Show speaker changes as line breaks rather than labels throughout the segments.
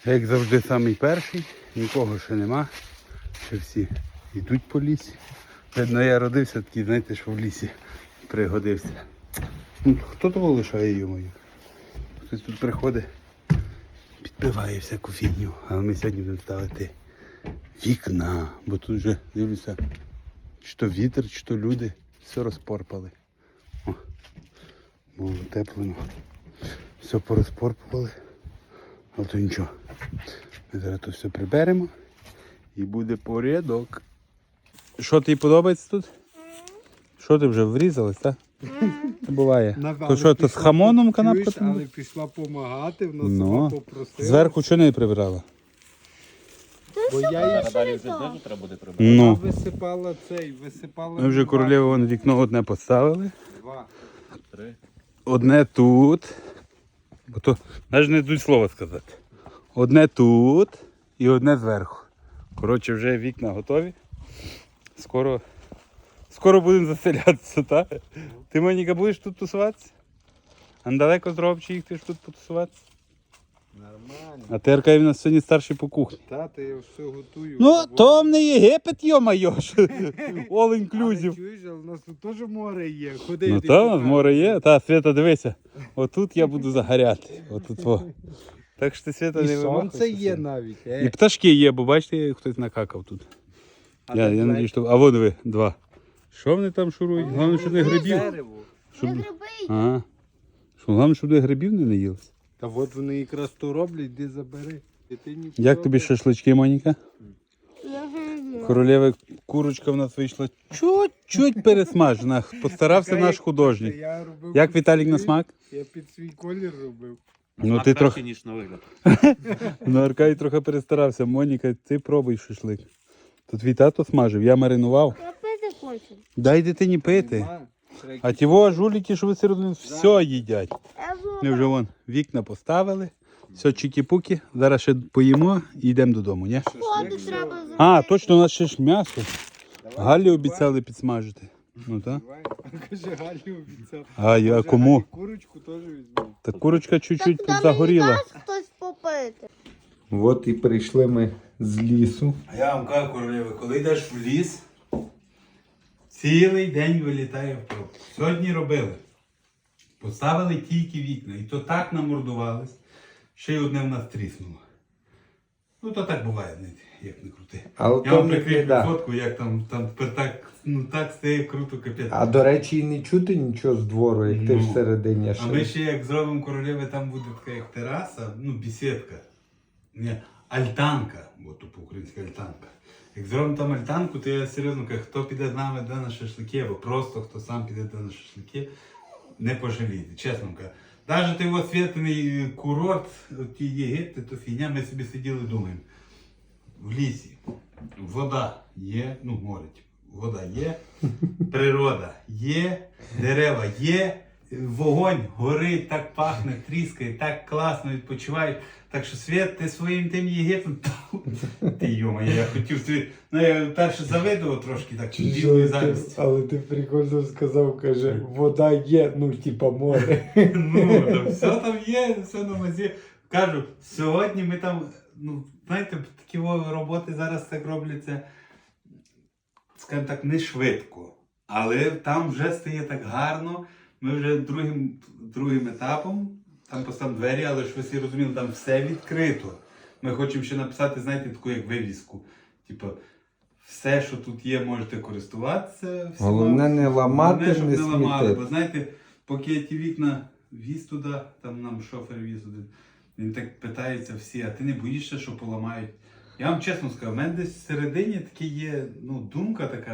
Як завжди, самий перший, нікого ще нема. Ще всі йдуть по лісі. Видно, я родився такий, знаєте, що в лісі пригодився. Ну, хто того лишає йому? Хтось тут приходить, підпиває всяку фігню. Але ми сьогодні будемо ставити вікна. Бо тут вже, дивлюся, чи то вітер, чи то люди все розпорпали. О, було теплено. Все порозпорпували. Але то нічого. Ми зараз то все приберемо і буде порядок. Що тобі подобається тут? Що ти вже врізалась, так? Буває. То що, то з хамоном канапка?
Але пішла допомагати, вона сама попросила.
Зверху чого не прибирала?
Бо я їй
Далі вже знизу треба буде прибирати.
Ну.
висипала висипала.
Ми вже королеву вон вікно одне поставили.
2.
3.
Одне тут. Бо то навіть не йдуть слова сказати. Одне тут і одне зверху. Коротше, вже вікна готові. Скоро будемо заселятися, так? Ти, Моніка, будеш тут тусуватися? А недалеко зробив, чи їх ти ж тут потусуватися?
Нормально.
А ти, Аркадій, в нас сьогодні старший по кухні.
Тата, я все готую.
Ну, то не Єгипет, йо-майо, all
Але
inclusive.
чуєш, але в нас тут теж море є. Ходи,
Ну
йди
так,
покажу.
море є. Та, Свята, дивися. Отут я буду загоряти. Отут во. Так що ти, Свята,
І
не
сонце
вимахуйся.
є навіть.
І пташки є, бо бачите, хтось накакав тут. Я надію, що... А во диви, 2. Що вони там шурують? Головне, щоб не грибів. Щоб... Ага. Що, головне, щоб не грибів не наїлися.
Та от вони якраз то роблять, йди забери. Дитині
Як тобі шашлички, Моніка? Королева курочка в нас вийшла чуть-чуть пересмажена. Постарався наш художник.
Я робив
Як
під
Віталік на
свій-
смак?
Я під свій колір робив.
Ну ти трохи.
ніж на вигляд.
Ну, Аркадій трохи перестарався. Моніка, ти пробуй шашлик. Тут твій тато смажив, я маринував.
Я пити хочу.
Дай дитині пити.
Нема.
А ті во жуліки, що ви середину, все їдять.
Я
Ми вже вон вікна поставили. Все чики-пуки. Зараз ще поїмо і йдемо додому, ні?
воду треба зробити.
А, точно, у нас ще ж м'ясо. Галі обіцяли підсмажити. Ну так.
Давай. Каже, Галю обіцяв.
А я
Каже,
кому?
Галі курочку теж візьму.
Та курочка чуть-чуть
Та
загоріла.
мені дасть хтось попити.
От і прийшли ми з лісу.
А я вам кажу, королева, коли йдеш в ліс, цілий день вилітає в пробку. Сьогодні робили. Поставили тільки вікна. І то так намордувались, ще й одне в нас тріснуло. Ну то так буває, як не крути.
Але
Я
то
вам
не
прикріплю
біда.
фотку, як там тепер так стає круто, капець.
А до речі, і не чути нічого з двору, як ти
Ну.
всередині
А ми
ще.
ще як зробимо королеви, там буде така як тераса, ну бесідка. Ні, альтанка, бо то по-українськи альтанка. Як зробимо там альтанку, то я серйозно кажу, хто піде з нами на шашлики, або просто хто сам піде на шашлики, не пожалієте, чесно вам кажу. Навіть той освітлений курорт, ті Єгипти, то фігня, ми собі сиділи думаємо. В лісі вода є, ну море, вода є, природа є, дерева є, вогонь горить, так пахне, тріскає, так класно відпочиваєш. Так що, Свят, ти своїм тим Єгиптом, ти йома, я хотів собі, ну я перше завидував трошки, так, білою завістю.
Але ти прикольно сказав, каже, вода є, ну типа море.
Ну, там все там є, все на мазі. Кажу, сьогодні ми там, ну, знаєте, такі роботи зараз так робляться, скажімо так, не швидко. Але там вже стає так гарно. Ми вже другим етапом, там поставимо двері, але ж ви всі розуміли, там все відкрито. Ми хочемо ще написати, знаєте, таку як вивіску. Типу, все, що тут є, можете користуватися. всіма.
Головне не ламати,
Головне, щоб
не
не ламали.
смітити.
Бо знаєте, поки я ті вікна віз туди, там нам шофер віз один, він так питається всі, а ти не боїшся, що поламають? Я вам чесно скажу, в мене десь всередині таки є думка така,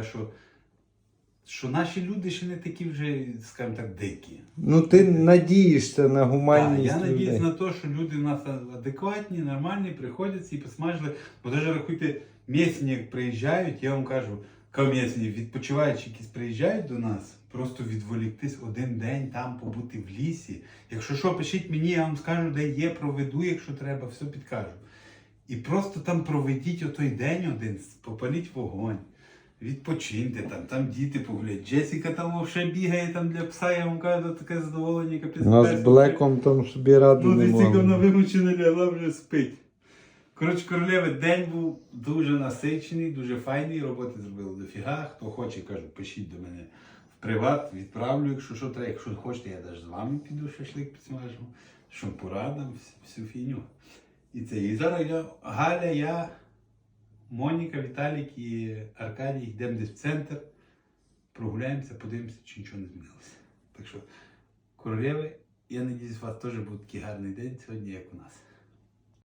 що наші люди ще не такі вже, скажімо так, дикі.
Ну ти надієшся на
Так,
гуманність
я надіюсь
людей.
на те, що люди в нас адекватні, нормальні, приходять і посмажили. Бо навіть рахуйте, місні, як приїжджають, я вам кажу, місні, відпочиваючи якісь приїжджають до нас, просто відволіктись один день там, побути в лісі. Якщо що, пишіть мені, я вам скажу, де є, проведу, якщо треба, все підкажу. І просто там проведіть отой день один, попаліть вогонь. Відпочиньте там діти погулять. Джесіка там ще бігає там для пса, я вам кажу, таке задоволення, капець.
У нас з Блеком там собі ради
Ну,
не
Джесіка вона
могли.
вимучена лягла, вже спить. Коротше, королеви, день був дуже насичений, дуже файний, роботи зробили дофіга. Хто хоче, кажу, пишіть до мене в приват, відправлю, якщо що треба. Якщо хочете, я навіть з вами піду шашлик підсмажу, що порадам, всю фігню. І це. І зараз Галя, я, Моніка, Віталік і Аркадій йдемо десь в центр, прогуляємося, подивимося, чи нічого не змінилося. Так що, королеви, я надіюсь, у вас теж буде такий гарний день сьогодні, як у нас.